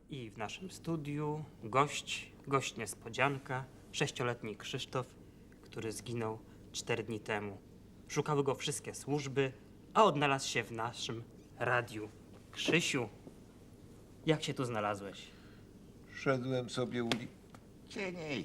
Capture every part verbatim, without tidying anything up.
I w naszym studiu gość, gość niespodzianka, sześcioletni Krzysztof, który zginął cztery dni temu. Szukały go wszystkie służby, a odnalazł się w naszym radiu. Krzysiu, jak się tu znalazłeś? Szedłem sobie uli... Cieniej.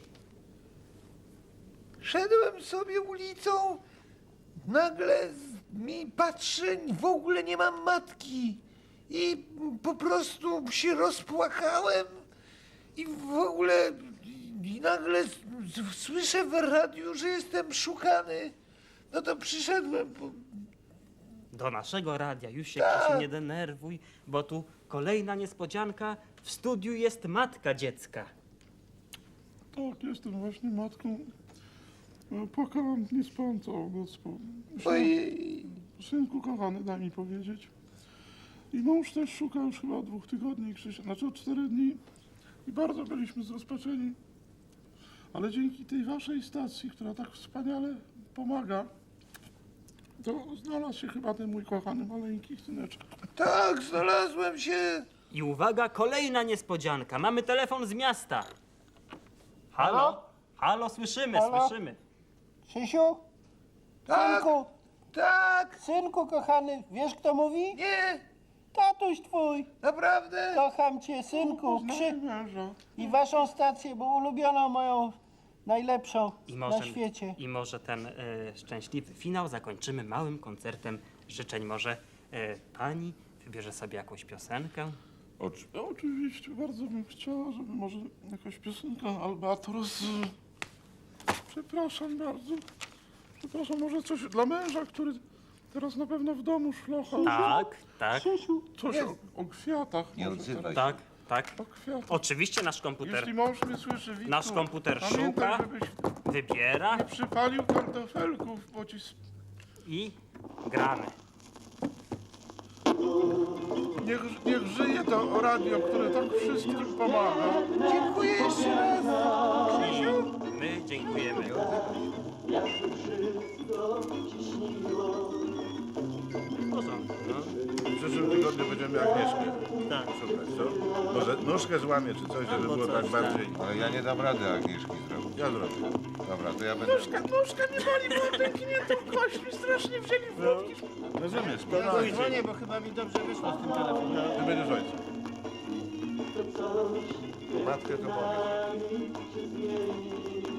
Szedłem sobie ulicą, nagle z- mi patrzę, w ogóle nie mam matki. I po prostu się rozpłakałem i w ogóle i nagle s- s- słyszę w radiu, że jestem szukany. No to przyszedłem, bo Do naszego radia. Już się, Tak. Krzysiu, nie denerwuj, bo tu kolejna niespodzianka. W studiu jest matka dziecka. Tak, jestem właśnie matką. E, Płakałam niespąco, gospą. ojej, Synku kochany, daj mi powiedzieć. I mąż też szuka już chyba od dwóch tygodni, Krzysia, znaczy od czterech dni. I bardzo byliśmy zrozpaczeni. Ale dzięki tej waszej stacji, która tak wspaniale pomaga, to znalazł się chyba ten mój kochany maleńki syneczek. tak, znalazłem się. I uwaga, kolejna niespodzianka. Mamy telefon z miasta. Halo? Halo? Halo, słyszymy, Halo? słyszymy. Krzysiu? Tak, Synku, tak, synku kochany, wiesz kto mówi? nie, Tatuś twój. naprawdę. Kocham cię, synku. Poznałem Krzy... męża. I waszą stację, bo ulubioną moją, najlepszą I może, na świecie. I może ten e, szczęśliwy finał zakończymy małym koncertem życzeń. Może e, pani wybierze sobie jakąś piosenkę? Oczy, oczywiście, bardzo bym chciała, żeby może jakaś piosenka Albatros. Przepraszam bardzo. Przepraszam, może coś dla męża, który teraz na pewno w domu szlocha. Tak, tak, Krzysiu, Coś o, o kwiatach. Nie może odzywaj tak. tak, tak. O kwiatach. Oczywiście nasz komputer Jeśli mąż mnie słyszy, Witku, Nasz komputer pamiętaj, szuka. żebyś wybiera nie przypalił kartofelków, bo ci... sp- i gramy. Niech, niech żyje to radio, które tak wszystkim pomaga. Dziękuję jeszcze raz. Krzysiu, my dziękujemy. W porządku, no. W przyszłym tygodniu będziemy Agnieszkę Tak. szukać, co? Może nóżkę złamie czy coś, żeby Albo było coś, tak bardziej... Ale ja nie dam rady Agnieszki zrobić. Ja zrobię. Dobra, to ja będę... Nóżka, nóżka nie boli, bo pękniętą kość mi strasznie wzięli w łapki. Rozumiesz? ja No, dzwonię, bo chyba mi dobrze wyszło z tym telefonem. ty będziesz ojcem. Matkę to powiedz.